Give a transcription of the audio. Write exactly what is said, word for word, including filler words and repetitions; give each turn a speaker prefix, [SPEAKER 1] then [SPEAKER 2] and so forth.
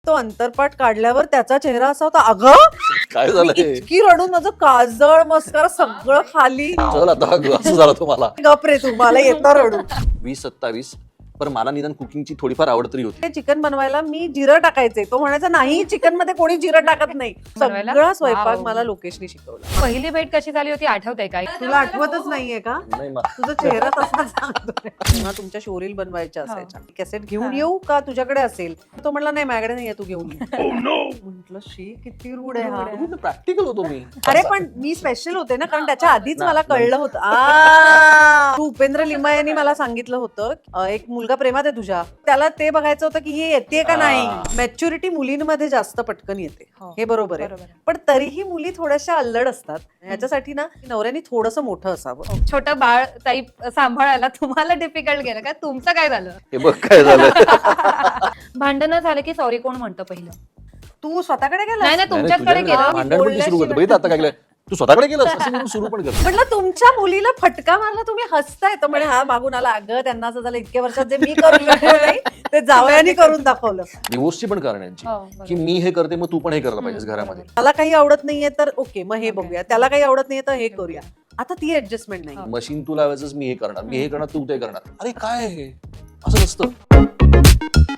[SPEAKER 1] तो अंतरपाठ काढल्यावर त्याचा चेहरा असा होता, अगं
[SPEAKER 2] काय
[SPEAKER 1] मी
[SPEAKER 2] झालं हे?
[SPEAKER 1] इतकी रडून माझं काजळ मस्कारा सगळं खाली.
[SPEAKER 2] चल आता असं झालं तुम्हाला.
[SPEAKER 1] गप रे तू, मला येतं रडू.
[SPEAKER 2] वीस सत्तावीस पण मला निदान कुकिंगची थोडीफार आवड तरी होती.
[SPEAKER 1] ते चिकन बनवायला मी जिरं टाकायचे, तो म्हणायचा नाही चिकन मध्ये कोणी जिरं टाकत नाही.
[SPEAKER 3] बनवायला?
[SPEAKER 1] सगळा स्वयंपाक
[SPEAKER 3] वाव.
[SPEAKER 1] मला लोकेशनी शिकवला.
[SPEAKER 3] पहिली भेट कशी झाली होती आठवते काय?
[SPEAKER 1] तुला आठवतच नाहीये का?
[SPEAKER 2] नाही मा-
[SPEAKER 1] तुझा चेहरा तसा सांगतोय. तेव्हा तुमच्या शोरील बनवायच्या असायच्या. कॅसेट घेऊन येऊ का तुझ्याकडे असेल? तो म्हणला नाही माझ्याकडे नाहीये, तू घेऊन ये. म्हटलं शी किती रूढ आहे हा.
[SPEAKER 2] प्रॅक्टिकल होतो मी.
[SPEAKER 1] अरे पण मी स्पेशल होते ना, कारण त्याच्या आधीच मला कळलं होतं. आ, तू उपेंद्र लिंबा यांनी मला सांगितलं होतं अ, एक मुलगा प्रेमात आहे तुझ्या, त्याला ते बघायचं होतं की ही येते का नाही. मॅच्युरिटी मुलींमध्ये जास्त पटकन येते,
[SPEAKER 3] हो,
[SPEAKER 1] हे बरोबर आहे.
[SPEAKER 3] बरोबर आहे.
[SPEAKER 1] पण तरीही मुली थोड्याशा अल्लड असतात. ह्याच्यासाठी ना नवऱ्याने थोडंसं मोठं असावं.
[SPEAKER 3] छोटं बाळ टाईप सांभाळायला तुम्हाला डिफिकल्ट गेलं का? तुमचं काय झालं?
[SPEAKER 2] हे बघ काय झालं.
[SPEAKER 3] भांडणं झालं की सॉरी कोण म्हणतं पहिलं?
[SPEAKER 1] तू स्वतःकडे गेला?
[SPEAKER 3] नाही ना,
[SPEAKER 2] नाही, नाही,
[SPEAKER 3] तुमच्याकडे
[SPEAKER 2] तुझ्याकडे
[SPEAKER 3] गेलं.
[SPEAKER 2] भांडण पण सुरू करतो. बघितलं आता काय केलं? तू स्वतःकडे गेलं असं म्हणून सुरू पण करतो.
[SPEAKER 1] म्हटलं तुमच्या मुलीला फटका मारला, तुम्ही हसताय. तर म्हणे हा मागून आला, अगं त्यांना असं झालं इतक्या वर्षात जे मी करून दाखवलं नाही ते जावयाने करून दाखवलं.
[SPEAKER 2] डिवोर्सची पण करण्याची
[SPEAKER 3] हो, बरोबर.
[SPEAKER 2] की मी हे करते मग तू पण हे करायला पाहिजेस घरामध्ये.
[SPEAKER 1] मला काही आवडत नाहीये तर ओके मग हे बघूया, त्याला काही आवडत नाहीये तर हे करूया. आता ती ऍडजस्टमेंट नाही.
[SPEAKER 2] मशीन तू लावायचंच मी हे करणार, मी हे करणार तू ते करणार. अरे काय हे असं नसतं.